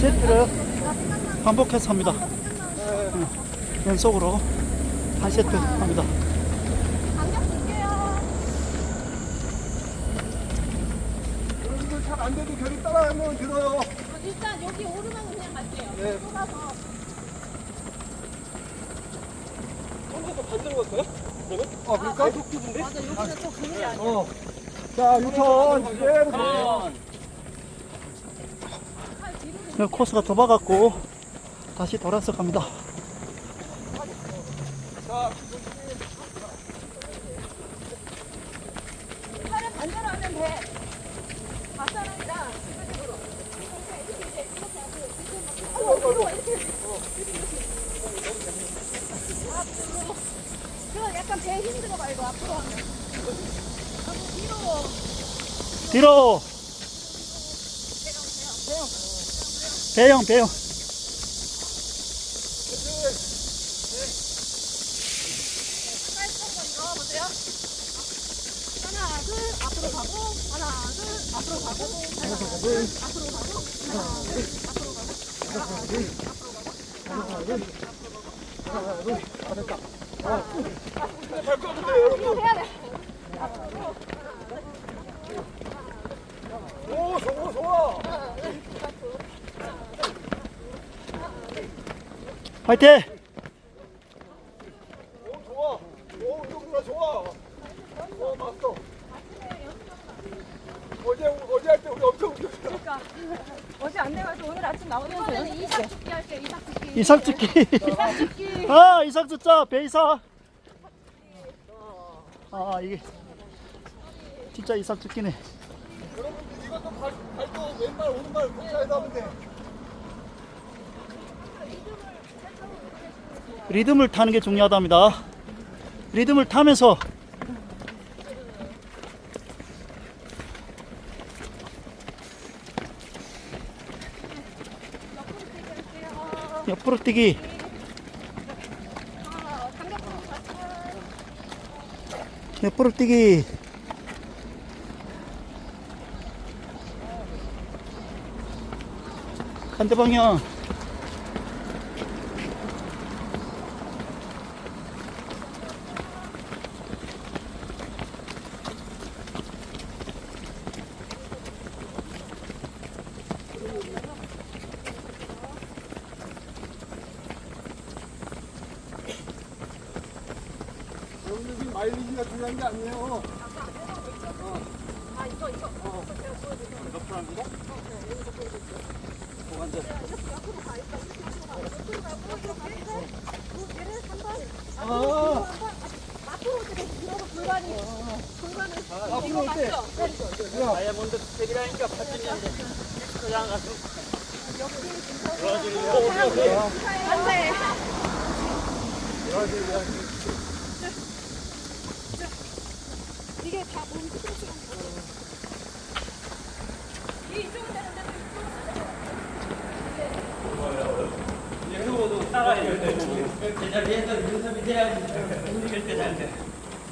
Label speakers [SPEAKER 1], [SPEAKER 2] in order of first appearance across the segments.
[SPEAKER 1] 세트를 반복해서 합니다. 연속으로 한 세트 합니다.
[SPEAKER 2] 간격 볼게요.
[SPEAKER 3] 여러분들 잘 안 돼도 계속 따라하면 들어요.
[SPEAKER 2] 일단 여기 오르면 그냥 갈게요.
[SPEAKER 3] 네.
[SPEAKER 2] 좁아서.
[SPEAKER 4] 혼자서 반대로 갈까요? 그러면?
[SPEAKER 3] 아, 그럴까?
[SPEAKER 2] 맞아, 여기는 또 그물이 아니야.
[SPEAKER 3] 자, 유턴 그대로 들어요.
[SPEAKER 1] 코스가 좁아갖고 다시 돌아서 갑니다.
[SPEAKER 3] 자,
[SPEAKER 2] 팔을 반대로 하면 돼. 밭사람이랑 지그재그로. 그럼 약간 배 힘들어 말고 앞으로 하면. 너무 뒤로.
[SPEAKER 1] 뒤로. 배영.
[SPEAKER 2] 보세요. 하나, 둘, 앞으로 가고, 하나, 둘, 앞으로 가고, 하나, 둘, 앞으로 가고, 하나, 둘, 앞으로 가고, 하나, 둘, 앞으로 가고, 하나, 둘,
[SPEAKER 3] 밟고 하면 돼요, 여러분.
[SPEAKER 2] 이거 해야 돼.
[SPEAKER 3] 오, 좋아.
[SPEAKER 1] 화이팅!
[SPEAKER 3] 오, 좋아. 오, 운동구나 좋아. 맞어. 어제 할 때 우리 엄청 웃겼어.
[SPEAKER 2] 그러니까 어제 안 돼가지고 오늘 아침 나오면서 연습 이삭 죽기 할게. 이삭 죽기.
[SPEAKER 1] 이삭 찍기.
[SPEAKER 2] 이삭 죽기.
[SPEAKER 1] 아, 이삭 듣자. 배이삭. 아, 이게 진짜 이삭 죽기네.
[SPEAKER 3] 여러분들 이것도 발도 왼발 오른발 붙여야 하면 돼.
[SPEAKER 1] 리듬을 타는 게 중요하답니다. 리듬을 타면서 옆으로 뛰기. 옆으로 뛰기. 반대 방향.
[SPEAKER 3] 여러분들 지금 마일리지가 중요한 게 아니에요.
[SPEAKER 2] 아 이거.
[SPEAKER 4] 옆으로 합니다.
[SPEAKER 2] 앞으로 들어서 불만이.
[SPEAKER 3] 앞으로 올 때.
[SPEAKER 4] 다이아몬드 스텝이라니까 파진인데. 그냥 가서.
[SPEAKER 2] 안돼. 이게 다 몸 스트레스가. 이게 이쪽은 되는데
[SPEAKER 4] 유튜브도 따라해야 돼. 제자리에서 연습이 돼야지. 움직일 때 잘 돼.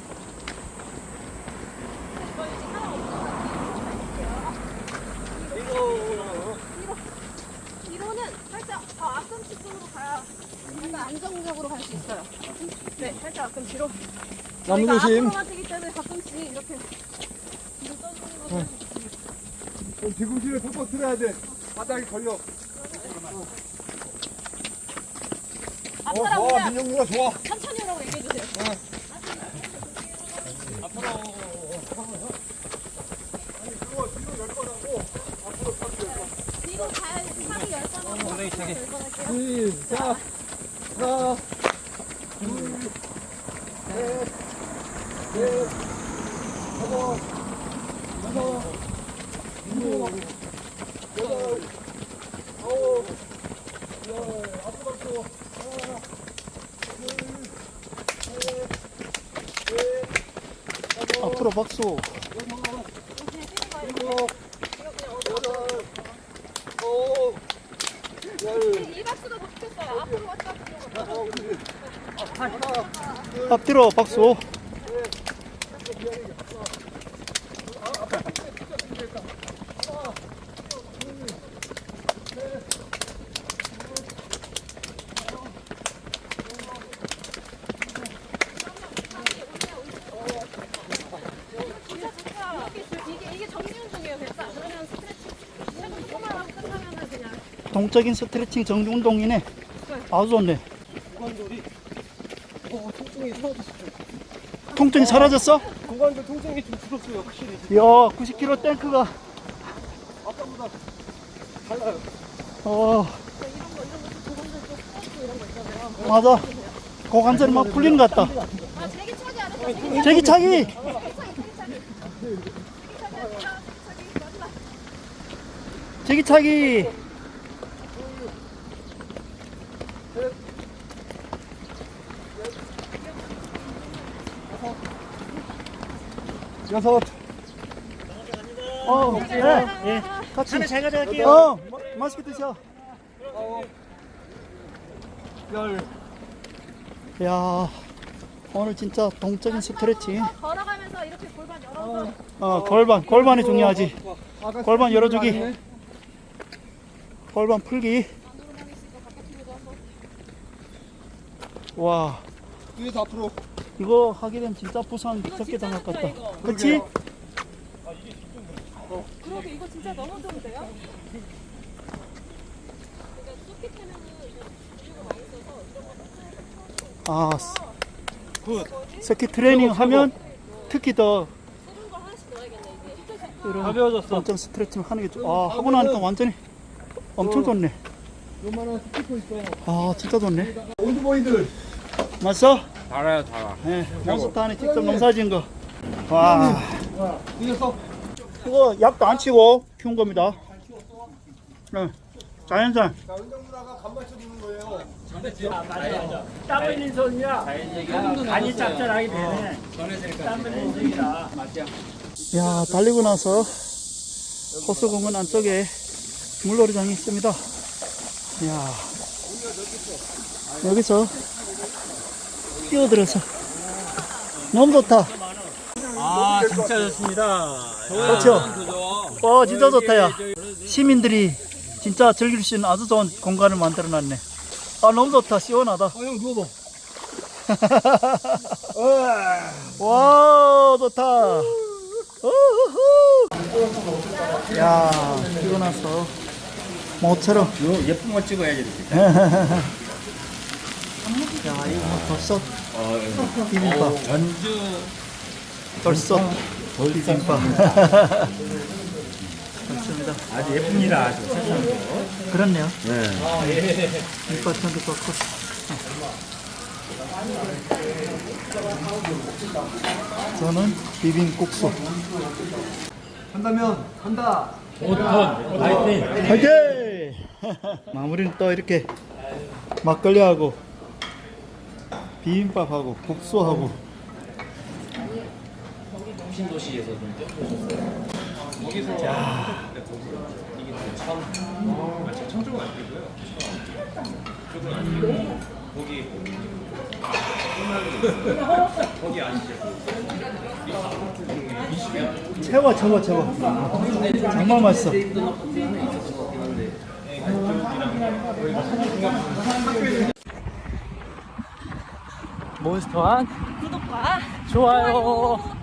[SPEAKER 2] 뒤로는 살짝 앞꿈치 쪽으로 가야 약간 안정적으로 갈 수 있어요. 네, 살짝 앞꿈치로.
[SPEAKER 3] 나무
[SPEAKER 2] 저희가
[SPEAKER 3] 조심.
[SPEAKER 2] 앞으로만 뛰기 때문에 가끔씩 이렇게 뒤로 떠주는 거.
[SPEAKER 3] 뒤꿈치를 팍팍 틀어야 돼. 바닥에 걸려.
[SPEAKER 2] 앞사람
[SPEAKER 3] 좋아,
[SPEAKER 2] 그냥
[SPEAKER 3] 민영이가 좋아.
[SPEAKER 2] 천천히 오라고 얘기해주세요. 뒤로 가야지. 상이 10번 하고
[SPEAKER 4] 엉덩이 차게.
[SPEAKER 2] 10번 할게요.
[SPEAKER 3] 시작. 하나, 둘, 셋, 넷, 다섯, 여섯, 일곱, 여덟, 아홉, 열. 앞으로 박수. 하나, 둘, 셋, 넷, 다섯,
[SPEAKER 1] 앞으로 박수.
[SPEAKER 3] 여섯, 일곱, 여덟, 아홉, 열.
[SPEAKER 2] 이 박수도 바뀌었어요. 앞으로 왔다 갔다.
[SPEAKER 3] 하나,
[SPEAKER 1] 앞뒤로 박수. 동적인 스트레칭 정지 운동이네. 아주 좋네.
[SPEAKER 3] 고관절이 통증이 사라졌어.
[SPEAKER 1] 통증이 사라졌어?
[SPEAKER 3] 고관절 통증이 좀 줄었어요 확실히.
[SPEAKER 1] 이야, 90kg 탱크가
[SPEAKER 3] 아까보다 달라요.
[SPEAKER 1] 맞아. 고관절이 막 풀리는 것 같다.
[SPEAKER 2] 아, 제기차기 안 했어.
[SPEAKER 1] 제기차기. 제기차기.
[SPEAKER 3] 여섯.
[SPEAKER 1] 네. 같이.
[SPEAKER 4] 잘 가져갈게요.
[SPEAKER 1] 맛있게 드셔.
[SPEAKER 3] 아홉. 열.
[SPEAKER 1] 야, 오늘 진짜 동적인 스트레칭.
[SPEAKER 2] 걸어가면서 이렇게 골반 열어서
[SPEAKER 1] 골반이 중요하지.
[SPEAKER 3] 아가
[SPEAKER 1] 골반 열어주기.
[SPEAKER 3] 많네.
[SPEAKER 1] 골반 풀기. 와,
[SPEAKER 3] 뒤에서 앞으로.
[SPEAKER 1] 이거 하게 되면 진짜 부상 적게 당할 것 같다. 그치?
[SPEAKER 2] 그러게 이거 진짜 너무 좋은데요?
[SPEAKER 1] 아, 스키 트레이닝 하면 특히 더 이런
[SPEAKER 4] 가벼워졌어.
[SPEAKER 1] 동적 스트레칭 하는 게 하고 나니까 완전히 엄청 좋네.
[SPEAKER 3] 요만한 스티커 있어.
[SPEAKER 1] 아, 진짜 좋네.
[SPEAKER 3] 올드보이들.
[SPEAKER 1] 맞어?
[SPEAKER 4] 달아요, 달아.
[SPEAKER 1] 네, 몬스터 안에 직접 농사 지은 거. 와,
[SPEAKER 3] 뒤에서.
[SPEAKER 1] 이거 약도 안 치고 키운 겁니다. 네, 자연산.
[SPEAKER 3] 자, 은정 누나가 간 맞춰주는 거예요.
[SPEAKER 4] 땀 흘린 손이야. 간이 짭짤하게 되네. 땀 흘린 손이라.
[SPEAKER 1] 야, 달리고 나서 호수공원 안쪽에 물놀이장이 있습니다. 야, 여기서 뛰어들어서 너무 좋다.
[SPEAKER 4] 아, 진짜 좋습니다.
[SPEAKER 1] 그렇죠? 진짜 좋다, 야. 시민들이 진짜 즐길 수 있는 아주 좋은 공간을 만들어 놨네. 너무 좋다. 시원하다.
[SPEAKER 3] 형 누워봐.
[SPEAKER 1] 와, 좋다. 우후후. 야, 뛰고 나서 모처럼.
[SPEAKER 4] 예쁜 거 찍어야지. 이렇게.
[SPEAKER 1] 야, 이거 뭐 벌써 비빔밥.
[SPEAKER 4] 전주
[SPEAKER 1] 벌써 비빔밥. 좋습니다.
[SPEAKER 4] 아주 예쁩니다. 아주.
[SPEAKER 1] 그렇네요.
[SPEAKER 4] 네.
[SPEAKER 1] 밑바탕도 좋고. 저는 비빔국수.
[SPEAKER 3] 한다면 한다.
[SPEAKER 4] 5톤. 파이팅.
[SPEAKER 1] 화이팅! 마무리는 또 이렇게 막걸리하고 비빔밥하고 국수하고.
[SPEAKER 4] 신도시에서
[SPEAKER 1] 최고. 정말 맛있어.
[SPEAKER 4] 몬스터한
[SPEAKER 2] 구독과
[SPEAKER 4] 좋아요.